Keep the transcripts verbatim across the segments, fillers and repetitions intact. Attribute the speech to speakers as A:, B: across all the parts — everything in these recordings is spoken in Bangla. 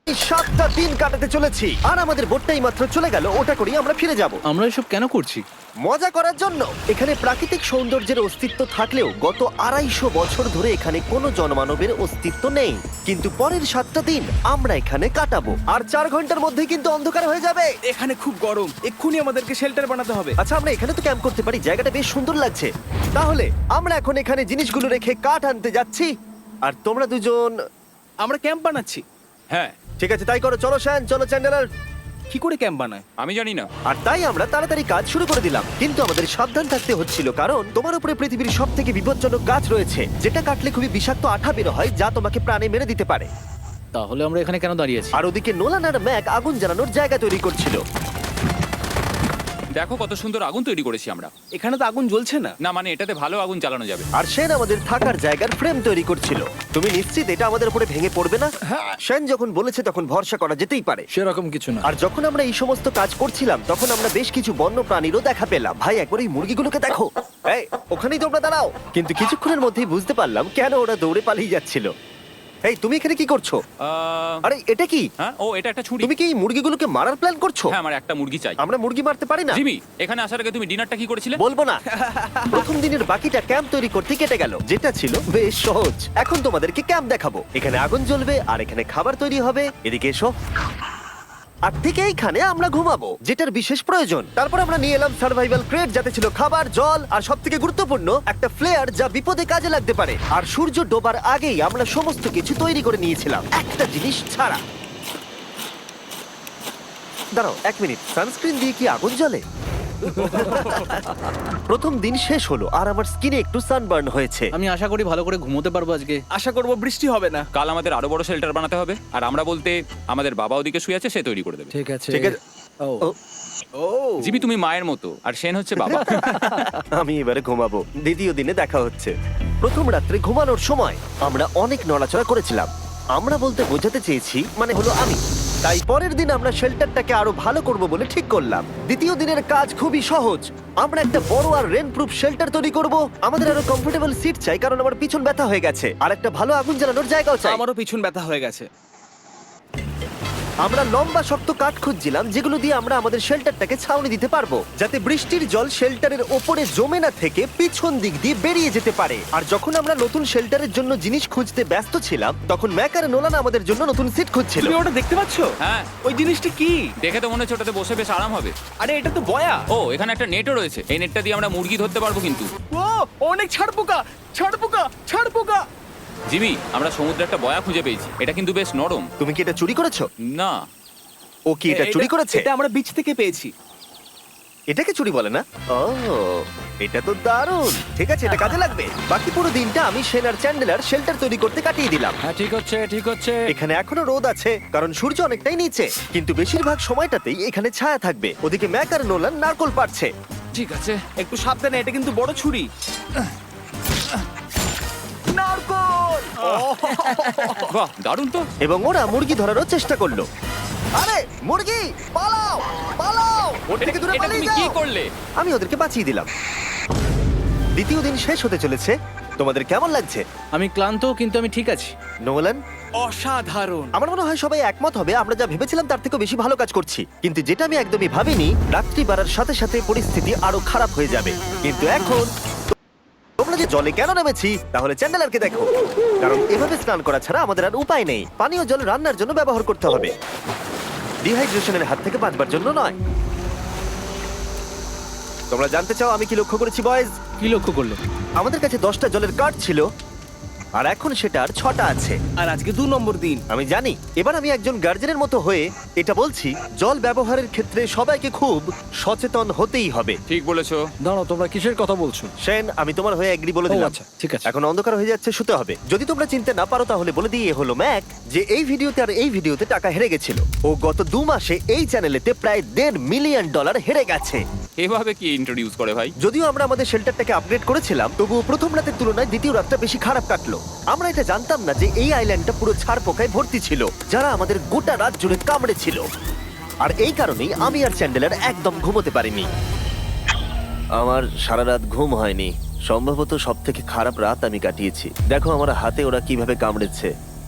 A: এই সাতটা দিন কাটাতে চলেছি আর আমাদের বোটটাই মাত্র চলে গেল, ওটা করেই আমরা ফিরে যাব
B: আমরা এসব কেন করছি?
A: মজা করার জন্য। এখানে প্রাকৃতিক সৌন্দর্যের অস্তিত্ব থাকলেও গত আড়াইশো বছর ধরে এখানে কোনো জনমানবের অস্তিত্ব নেই। কিন্তু পরের সাতটা দিন আমরা এখানে কাটাবো আর চার ঘন্টার মধ্যেই কিন্তু অন্ধকার হয়ে যাবে।
C: এখানে খুব গরম, এক্ষুনি আমাদেরকে শেল্টার বানাতে হবে।
A: আচ্ছা, আমরা এখানে তো ক্যাম্প করতে পারি, জায়গাটা বেশ সুন্দর লাগছে। তাহলে আমরা এখন এখানে জিনিসগুলো রেখে কাঠ আনতে যাচ্ছি আর তোমরা দুজন।
C: আমরা ক্যাম্প বানাচ্ছি।
D: হ্যাঁ,
A: ঠিক আছে, তাই করো। চলো শ্যান, চলো চ্যান্ডেলার।
C: কি করে ক্যাম্প বানায়?
D: আমি জানি না।
A: আর তাই আমরা তাড়াতাড়ি কাজ শুরু করে দিলাম, কিন্তু আমাদের সাবধান থাকতে হচ্ছিল কারণ তোমার উপরে পৃথিবীর সব থেকে বিপজ্জনক গাছ রয়েছে, যেটা কাটলে খুবই বিষাক্ত আঠা বের হয় যা তোমাকে প্রাণে মেরে দিতে পারে।
B: তাহলে আমরা এখানে কেন দাঁড়িয়ে আছি?
A: আর ওদিকে নোলান আর ম্যাক আগুন জ্বালানোর জায়গা তৈরি করছিল।
D: দেখো কত সুন্দর আগুন তৈরি করেছি আমরা।
C: এখানে তো আগুন জ্বলছে না।
D: না মানে এটাতে ভালো আগুন জ্বালানো যাবে।
A: আর সেন আমাদের থাকার জায়গার ফ্রেম তৈরি করছিল। তুমি নিশ্চিত এটা আমাদের উপরে ভেঙে পড়বে না? সেন যখন বলেছে তখন ভরসা করা যেতেই পারে।
B: সেরকম কিছু না।
A: আর যখন আমরা এই সমস্ত কাজ করছিলাম তখন আমরা বেশ কিছু বন্য প্রাণীরও দেখা পেলাম। ভাই, একবার এই মুরগিগুলোকে দেখো। এই, ওখানেই তোমরা দাঁড়াও। কিন্তু কিছুক্ষণের মধ্যেই বুঝতে পারলাম কেন ওরা দৌড়ে পালিয়ে যাচ্ছিল। এই, তুমি এখানে কি করছো?
D: আহ,
A: আরে এটা কি?
D: হ্যাঁ, ও এটা একটা ছুরি।
A: তুমি কি এই মুরগিগুলোকে মারার প্ল্যান করছো?
D: হ্যাঁ, আমার একটা মুরগি চাই।
A: আমরা মুরগি মারতে পারি না।
D: জিমি, এখানে আসার আগে তুমি ডিনারটা কি করেছিলে?
A: বলবো না। প্রথম দিনের বাকিটা ক্যাম্প তৈরি করতে কেটে গেল, যেটা ছিল বেশ সহজ। এখন তোমাদেরকে ক্যাম্প দেখাবো। এখানে আগুন জ্বলবে আর এখানে খাবার তৈরি হবে। এদিকে এসো। আর ঠিক এইখানে আমরা ঘুমাবো, যেটার বিশেষ প্রয়োজন। তারপর আমরা নিয়ে এলাম সার্ভাইভাল ক্রেট, যাতে ছিল খাবার, জল আর সবথেকে গুরুত্বপূর্ণ একটা ফ্লেয়ার, যা বিপদে কাজে লাগতে পারে। আর সূর্য ডোবার আগেই আমরা সমস্ত কিছু তৈরি করে নিয়েছিলাম, একটা জিনিস ছাড়া। দাঁড়াও এক মিনিট, সানস্ক্রিন দিয়ে কি আগুন জ্বলে? প্রথম দিন শেষ হলো আর আমার স্কিনে একটু সানবার্ন হয়েছে।
B: আমি আশা করি ভালো করে ঘুমোতে পারবো আজকে।
C: আশা করব বৃষ্টি হবে না।
D: কাল আমাদের আরো বড় শেল্টার বানাতে হবে। আর আমরা বলতে আমাদের বাবা ওদিকে শুয়ে আছে, সে তৈরি করে দেবে।
B: ঠিক আছে।
A: ঠিক আছে।
B: ও
A: ও,
C: ও
D: জিমি, তুমি মায়ের মতো আর সেন হচ্ছে বাবা।
A: আমি এবারে ঘুমাবো। দ্বিতীয় দিনে দেখা হচ্ছে। প্রথম রাত্রে ঘুমানোর সময় আমরা অনেক নড়াচড়া করেছিলাম। আমরা বলতে বোঝাতে চেয়েছি, মানে হলো আমি। তাই পরের দিন আমরা শেল্টারটাকে আরো ভালো করব বলে ঠিক করলাম। দ্বিতীয় দিনের কাজ খুবই সহজ। আমরা একটা বড় আর রেন প্রুফ শেল্টার তৈরি করব। আমাদের আরো কমফোর্টেবল সিট চাই, কারণ আমার পিছন ব্যথা হয়ে গেছে। আর একটা ভালো আগুন জ্বালানোর জায়গাও চাই।
C: আমারও পিছন ব্যথা হয়ে গেছে।
A: আমরা লম্বা শক্ত কাঠ খুঁজছিলাম, যেগুলো দিয়ে আমরা আমাদের শেল্টারটাকে ছাউনি দিতে পারবো, যাতে বৃষ্টির জল শেল্টারের ওপরে জমে না থেকে পিছন দিক দিয়ে বেরিয়ে যেতে পারে। আর যখন আমরা নতুন শেল্টারের জন্য জিনিস খুঁজতে ব্যস্ত ছিলাম, তখন ম্যাক আর নোলান আমাদের জন্য নতুন সিট খুঁজছিল।
C: তুমি ওটা দেখতে পাচ্ছ?
D: হ্যাঁ,
C: ওই জিনিসটা কি?
D: দেখে তো মনে হচ্ছে ওটাতে বসে বেশ আরাম হবে।
C: আরে এটা তো বয়া।
D: ও, এখানে একটা নেটও রয়েছে। এই নেটটা দিয়ে আমরা মুরগি ধরতে পারবো। কিন্তু
C: ও অনেক ছাড় পোকা, ছাড় পোকা, ছাড় পোকা।
D: জিমি, আমরা সমুদ্রে একটা বয়া খুঁজে পেয়েছি। এটা কিন্তু বেশ নরম।
A: তুমি কি এটা চুরি করেছো?
D: না,
A: ও কি এটা চুরি করেছে?
C: এটা আমরা বিচ থেকে পেয়েছি।
A: এটাকে চুরি বলে না? ও, এটা তো দারুণ। ঠিক আছে, এটা কাজে লাগবে। বাকি পুরো দিনটা আমি সেন আর চ্যান্ডেলার শেল্টার তৈরি করতে কাটিয়ে দিলাম।
B: হ্যাঁ, ঠিক হচ্ছে, ঠিক হচ্ছে।
A: এখানে এখনো রোদ আছে, কারণ সূর্য অনেকটাই নিচে, কিন্তু বেশিরভাগ সময়টাতেই এখানে ছায়া থাকবে। ওদিকে ম্যাক আর নোলান নারকল পাড়ছে।
D: ঠিক আছে।
C: একটু সাবধানে, এটা কিন্তু বড় ছুরি। নারকল!
D: বাহ, দারুণ তো।
A: এবং ওরা মুরগি ধরারও চেষ্টা করলো। আরে মুরগি, পালাও পালাও! ওটা থেকে দূরে
D: এটা
A: পালিয়ে
D: তুমি কি
A: যাও।
D: করলে?
A: আমি ওদেরকে বাঁচিয়ে দিলাম। দ্বিতীয় দিন শেষ হতে চলেছে। তোমাদের কেমন লাগছে?
B: আমি ক্লান্ত, কিন্তু আমি ঠিক আছি।
A: নোলান?
C: অসাধারণ।
A: আমার মনে হয় সবাই একমত হবে, আমরা যা ভেবেছিলাম তার থেকেও বেশি ভালো কাজ করছি। কিন্তু যেটা আমি একদমই ভাবিনি, রাত্রি বাড়ার সাথে সাথে পরিস্থিতি আরো খারাপ হয়ে যাবে। কিন্তু এখন তোমরা যে জলে কেন নেমেছি, তাহলে চ্যান্ডেলারকে দেখো। কারণ এভাবে স্নান করা ছাড়া আমাদের আর উপায় নেই। পানীয় জল রান্নার জন্য ব্যবহার করতে হবে, ডিহাইড্রেশনের হাত থেকে বাঁচবার জন্য নয়। তোমরা জানতে চাও আমি কি লক্ষ্য করেছি বয়েজ?
B: কি লক্ষ্য করলে?
A: আমাদের কাছে দশটা জলের কার্ড ছিল, আর এখন সেটা আর ছটা আছে।
C: আর আজকে দু নম্বর দিন।
A: আমি জানি। এবার আমি একজন গার্জেনের মতো হয়ে এটা বলছি, জল ব্যবহারের ক্ষেত্রে সবাইকে খুব সচেতন হতেই হবে।
D: ঠিক বলেছো।
B: দাঁড়াও, তোমরা কিসের কথা বলছো?
A: সেন, আমি তোমার হয়ে এগ্রি বলে
B: ও,
A: দিলাম।
B: আচ্ছা, ঠিক আছে।
A: এখন অন্ধকার হয়ে যাচ্ছে, শুতে হবে। যদি তোমরা চিনতে না পারো তাহলে বলে দিয়ে হলো ম্যাক, যে এই ভিডিওতে আর এই ভিডিওতে টাকা হেরে গেছিল। ও গত দু মাসে এই চ্যানেলেতে প্রায় দেড় মিলিয়ন ডলার হেরে গেছে।
D: এভাবে কি ইন্ট্রোডিউস করে ভাই?
A: যদিও আমরা আমাদের শেল্টারটাকে আপগ্রেড করেছিলাম, তবুও প্রথম রাতের তুলনায় দ্বিতীয় রাতটা বেশি খারাপ কাটলো। আমরা এটা জানতাম না যে এই আইল্যান্ডটা পুরো ছাড় পোকায় ভর্তি ছিল, যারা আমাদের গোটা রাত জুড়ে কামড়েছিল। আর এই কারণেই আমি আর চ্যান্ডেলার একদম ঘুমোতে পারিনি। আমার সারা রাত ঘুম হয়নি। সম্ভবত সব থেকে খারাপ রাত আমি কাটিয়েছি। দেখো আমার হাতে ওরা কিভাবে কামড়েছে।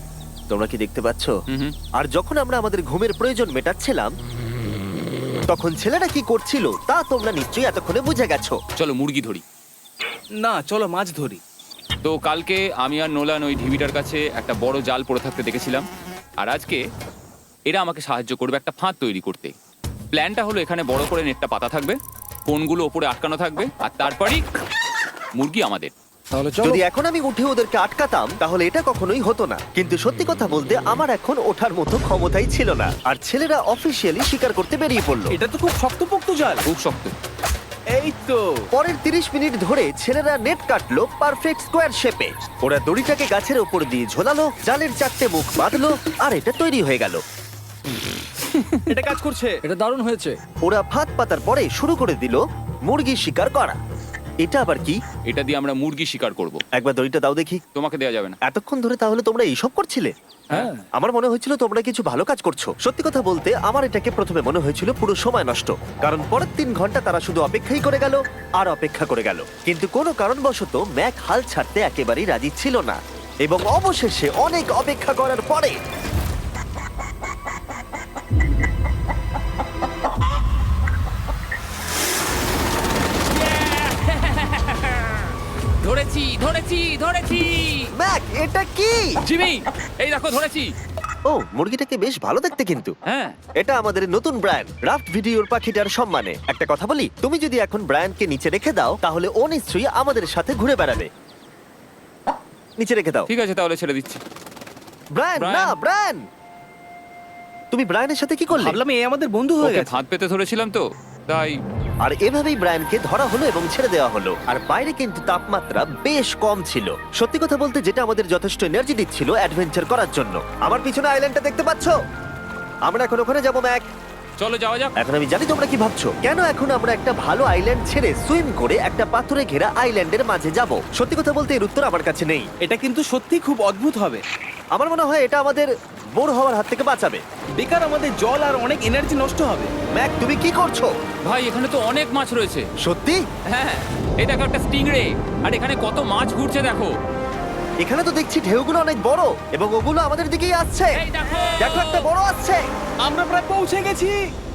A: তোমরা কি দেখতে পাচ্ছ?
D: হুম হুম।
A: আর যখন আমরা আমাদের ঘুমের প্রয়োজন মেটাচ্ছিলাম তখন ছেলেরা কি করছিল তা তোমরা নিশ্চয়ই এতক্ষণে বুঝে গেছো।
D: চলো মুরগি ধরি।
C: না চলো মাছ ধরি।
D: তো কালকে আমি আর নোলান ওই ঢিবিটার কাছে একটা বড় জাল পড়ে থাকতে দেখেছিলাম, আর আজকে এরা আমাকে সাহায্য করবে একটা ফাঁদ তৈরি করতে। প্ল্যানটা হলো এখানে বড় করে নেটটা পাতা থাকবে, কোনগুলো ওপরে আটকানো থাকবে, আর তারপরেই মুরগি আমাদের।
B: তাহলে চলো।
A: যদি এখন আমি উঠে ওদেরকে আটকাতাম তাহলে এটা কখনোই হতো না, কিন্তু সত্যি কথা বলতে আমার এখন ওঠার মতো ক্ষমতাই ছিল না। আর ছেলেরা অফিসিয়ালি স্বীকার করতে বেরিয়ে পড়লো।
C: এটা তো খুব শক্তপোক্ত জাল।
D: খুব শক্ত।
C: এই তো
A: পরের তিরিশ মিনিট ধরে ছেলেরা নেট কাটলো পারফেক্ট স্কোয়ার শেপে। ওরা দড়িটাকে গাছের ওপর দিয়ে ঝোলালো, জালের চারটে মুখ বাঁধলো, আর এটা তৈরি হয়ে গেল।
C: এটা কাজ করছে।
B: এটা দারুণ হয়েছে।
A: ওরা ফাঁদ পাতার পরে শুরু করে দিল মুরগি শিকার করা। এটা আবার কি?
D: এটা দিয়ে আমরা মুরগি শিকার করব।
A: একবার দড়িটা দাও দেখি।
D: তোমাকে দেওয়া যাবে না।
A: এতক্ষণ ধরে তাহলে তোমরা এইসব করছিলে?
B: হ্যাঁ।
A: আমার মনে হয়েছিল তোমরা কিছু ভালো কাজ করছো। সত্যি কথা বলতে আমার এটাকে প্রথমে মনে হয়েছিল পুরো সময় নষ্ট, কারণ পরের তিন ঘন্টা তারা শুধু অপেক্ষাই করে গেল আর অপেক্ষা করে গেল। কিন্তু কোনো কারণবশত ম্যাক হাল ছাড়তে একেবারেই রাজি ছিল না, এবং অবশেষে অনেক অপেক্ষা করার পরে
D: ধরেছি ধরেছি ধরেছি
A: ম্যাক এটা কি?
D: জিমি, এই দেখো ধরেছি।
A: ও, মুরগিটাকে বেশ ভালো দেখতে কিন্তু।
D: হ্যাঁ।
A: এটা আমাদের নতুন ব্র্যান্ড রাফট ভিডিওর পাখিটার সম্মানে। একটা কথা বলি, তুমি যদি এখন ব্র্যান্ডকে নিচে রেখে দাও তাহলে ও নিশ্চয়ই আমাদের সাথে ঘুরে বেড়াবে। নিচে রেখে দাও।
D: ঠিক আছে তাহলে ছেড়ে দিচ্ছি।
A: Brian,
D: Brian.
A: না ব্রায়ান, তুমি ব্রায়ানের সাথে কি করলে?
C: ভাবলাম এই আমাদের বন্ধু হয়ে
D: ওকে
C: গেছে।
D: ফাঁদ পেতে ধরেছিলাম তো তাই।
A: আর এভাবেই ব্রায়ানকে ধরা হলো এবং ছেড়ে দেওয়া হলো। আর বাইরে কিন্তু তাপমাত্রা বেশ কম ছিল। সত্যি কথা বলতে যেটা আমাদের যথেষ্ট এনার্জি দিচ্ছিল অ্যাডভেঞ্চার করার জন্য। আমার পিছনে আইল্যান্ডটা দেখতে পাচ্ছো? আমরা এখন ওখানে যাবো ম্যাক।
D: চলো যাওয়া যাক।
A: এখন আমি জানি তোমরা কি ভাবছো, কেন এখন আমরা একটা ভালো আইল্যান্ড ছেড়ে সুইম করে একটা পাথরে ঘেরা আইল্যান্ডের মাঝে যাব? সত্যি কথা বলতে এর উত্তর আমার কাছে নেই।
C: এটা কিন্তু সত্যি খুব অদ্ভুত হবে।
A: আমার মনে হয় এটা আমাদের বোর হওয়ার হাত থেকে বাঁচাবে।
C: বেকার আমাদের জল আর অনেক এনার্জি নষ্ট হবে।
A: ম্যাক, তুমি কি করছো?
D: ভাই এখানে তো অনেক মাছ রয়েছে।
A: সত্যি?
D: হ্যাঁ, এই দেখো একটা স্টিংরে, আর এখানে কত মাছ ঘুরছে দেখো।
A: এখানে তো দেখছি ঢেউগুলো অনেক বড় এবং ওগুলো আমাদের দিকেই আসছে।
D: এই দেখো।
A: দেখো একটা বড় আসছে।
C: আমরা প্রায় পৌঁছে গেছি।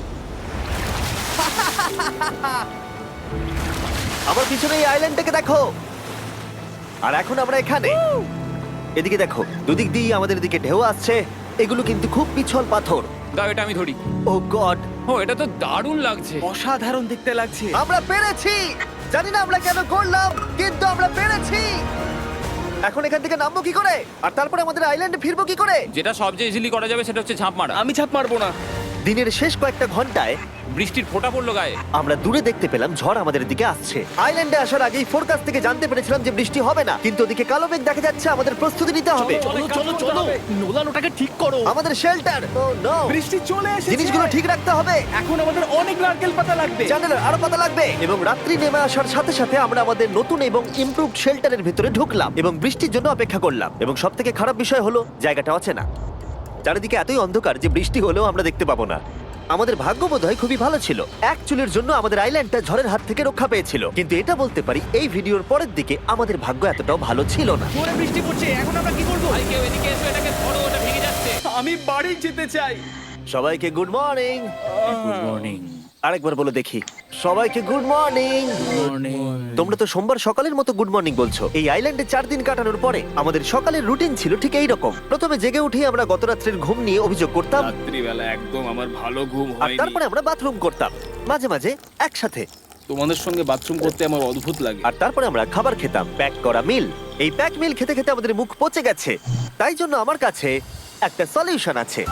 A: আমার পিছনে এই আইল্যান্ডটাকে দেখো। আর এখন আমরা এখানে। এদিকে দেখো, দুদিক দিয়ে আমাদের দিকে ঢেউ আসছে। এগুলো কিন্তু খুব পিছল পাথর।
D: দাও এটা আমি ধরি।
A: ও গড,
D: ও এটা তো দারুণ লাগছে।
C: অসাধারণ দেখতে লাগছে।
A: আমরা পেরেছি। জানি না আমরা কেন করলাম, কিন্তু আমরা পেরেছি। এখন এখান থেকে নামবো কি করে, আর তারপরে আমাদের আইল্যান্ডে ফিরবো কি করে?
D: যেটা সবচেয়ে ইজিলি করা যাবে সেটা হচ্ছে ঝাঁপ মারা।
C: আমি ছাপ মারবো না।
A: দিনের শেষ কয়েকটা ঘন্টায়
D: বৃষ্টির ফোঁটা পড়লো গায়ে।
A: আমরা দূরে দেখতে পেলাম ঝড় আমাদের দিকে আসছে। আইল্যান্ডে আসার আগেই ফোরকাস্ট থেকে জানতে পেরেছিলাম যে বৃষ্টি হবে না, কিন্তু ওদিকে কালো মেঘ দেখা যাচ্ছে। আমাদের প্রস্তুতি নিতে হবে।
C: চলো চলো চলো, নোলান ওটাকে ঠিক করো।
A: আমাদের শেল্টার, ও নো,
C: বৃষ্টি চলে এসেছে।
A: জিনিসগুলো ঠিক রাখতে হবে।
C: এখন আমাদের অনেক নারকেল পাতা লাগবে।
A: জানালার আরো পাতা লাগবে। এবং রাত্রি নেমে আসার সাথে সাথে আমরা আমাদের নতুন এবং ইমপ্রুভড শেল্টারের ভিতরে ঢুকলাম এবং বৃষ্টির জন্য অপেক্ষা করলাম। এবং সব থেকে খারাপ বিষয় হলো জায়গাটা অচেনা। চারিদিকে এতই অন্ধকার যে বৃষ্টি হলেও আমরা দেখতে পাবো না। আমাদের ভাগ্য বোধহয় খুবই ভালো ছিল। এক চুলের জন্য আমাদের আইল্যান্ডটা ঝড়ের হাত থেকে রক্ষা পেয়েছিল, কিন্তু এটা বলতে পারি এই ভিডিওর পরের দিকে আমাদের ভাগ্য এতটাও ভালো ছিল না।
C: জোরে বৃষ্টি পড়ছে, এখন আমরা কি করব?
D: ভাই কেউ এদিকে এসো, এটাকে ধরো, ওটা ভেঙে যাচ্ছে।
C: আমি বাড়ি যেতে চাই।
A: সবাইকে গুড মর্নিং।
D: Good morning.
A: আরেকবার বলে দেখি, সবাইকে গুড মর্নিং। তোমরা তো সোমবার সকালের মতো গুড মর্নিং বলছো। এই আইল্যান্ডে চার দিন কাটানোর পরে আমাদের সকালের রুটিন ছিল ঠিক এই রকম। প্রথমে জেগে উঠে আমরা গত রাত্রের ঘুম নিয়ে অভিযোগ করতাম,
C: রাত্রিবেলা একদম আমার ভালো ঘুম
A: আর
C: হয়নি।
A: তারপরে আমরা বাথরুম করতাম, মাঝে মাঝে একসাথে।
C: তোমাদের সঙ্গে বাথরুম করতে আমার অদ্ভুত লাগে।
A: আর তারপরে আমরা খাবার খেতাম, প্যাক করা মিল। এই প্যাক মিল খেতে খেতে আমাদের মুখ পচে গেছে। তাই জন্য আমার কাছে একটা সলিউশন আছে।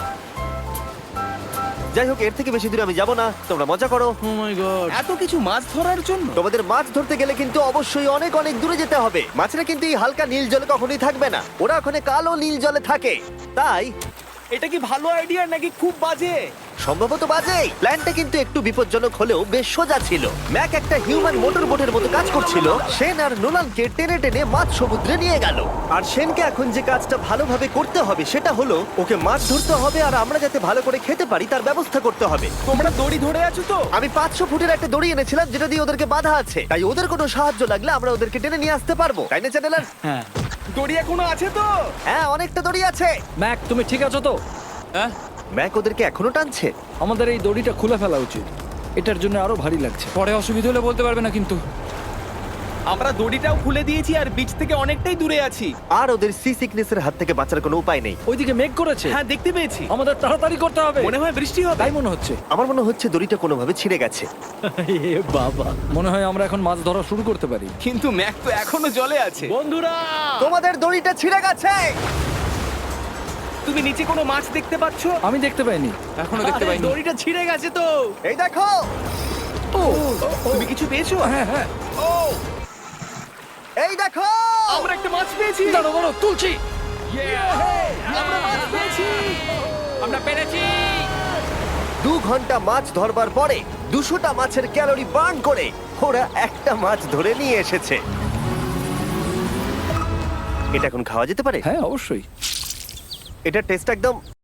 A: যাই হোক, এর থেকে বেশি দূরে আমি যাব না, তোমরা মজা করো।
B: Oh my god.
C: এত কিছু মাছ ধরার জন্য?
A: তোমাদের মাছ ধরতে গেলে কিন্তু অবশ্যই অনেক অনেক দূরে যেতে হবে। মাছেরা কিন্তু এই হালকা নীল জলে কখনোই থাকবে না, ওরা ওখানে কালো নীল জলে থাকে। তাই
C: এটা কি ভালো আইডিয়া নাকি খুব বাজে?
A: সম্ভবত বাজেই। প্ল্যানটা কিন্তু একটু বিপজ্জনক হলেও বেশ সোজা ছিল। ম্যাক একটা হিউম্যান মোটর বোটের মতো কাজ করছিল। শেন আর নোলানকে টেনে টেনে মাছ সমুদ্রে নিয়ে গেল। আর শেনকে এখন যে কাজটা ভালোভাবে করতে হবে সেটা হলো ওকে মাছ ধরতে হবে, আর আমরা যাতে ভালো করে খেতে পারি তার ব্যবস্থা করতে হবে।
C: তোমরা দড়ি ধরে আছো তো?
A: আমি পাঁচশো ফুটের একটা দড়ি এনেছিলাম যেটা দিয়ে ওদেরকে বাধা আছে, তাই ওদের কোনো সাহায্য লাগলে আমরা ওদেরকে টেনে নিয়ে আসতে পারবো, তাই না চ্যানেলার?
B: হ্যাঁ।
C: দড়ি এখনো আছে তো?
A: হ্যাঁ, অনেকটা দড়ি আছে।
B: ম্যাক তুমি ঠিক আছো তো?
D: হ্যাঁ
A: ম্যাক ওদেরকে এখনো টানছে।
B: আমাদের এই দড়িটা খুলে ফেলা উচিত, এটার জন্য আরো ভারী লাগছে।
D: পরে অসুবিধা হলে বলতে পারবে না কিন্তু।
C: আমরা দড়িটাও খুলে দিয়েছি আর বিচ থেকে অনেকটাই দূরে আছি।
A: আর ওদের সি সিকনেসের হাত থেকে বাঁচার কোনো উপায় নেই।
B: ওইদিকে মেঘ করেছে।
C: হ্যাঁ, দেখতে পেয়েছি।
B: আমাদের তাড়াতাড়ি করতে হবে।
C: মনে হয় বৃষ্টি হবে।
B: তাই মনে হচ্ছে।
A: আমার মনে হচ্ছে দড়িটা কোনোভাবে ছিঁড়ে গেছে।
B: এ বাবা, মনে হয় আমরা এখন মাছ ধরা শুরু করতে পারি।
C: কিন্তু ম্যাক তো এখনো জলে আছে।
B: বন্ধুরা,
A: তোমাদের দড়িটা ছিঁড়ে গেছে।
C: তুমি নিচে কোনো মাছ দেখতে পাচ্ছো?
B: আমি দেখতে পাইনি।
D: এখনো দেখতে
B: আরে,
D: পাইনি।
B: দড়িটা ছিঁড়ে গেছে তো।
A: এই দেখো।
B: ও,
C: তুমি কিছু পেয়েছো?
B: হ্যাঁ হ্যাঁ।
C: ও,
A: এই দেখো।
C: আমরা একটা মাছ পেয়েছি।
B: দাঁড়ো দাঁড়ো, তুলছি।
C: আমরা মাছ পেয়েছি।
D: আমরা পেরেছি।
A: দু ঘন্টা মাছ ধরবার পরে দুশোটা মাছের ক্যালোরি বার্ন করে ওরা একটা মাছ ধরে নিয়ে এসেছে। এটা এখন খাওয়া যেতে পারে?
B: হ্যাঁ অবশ্যই।
A: এটা টেস্ট একদম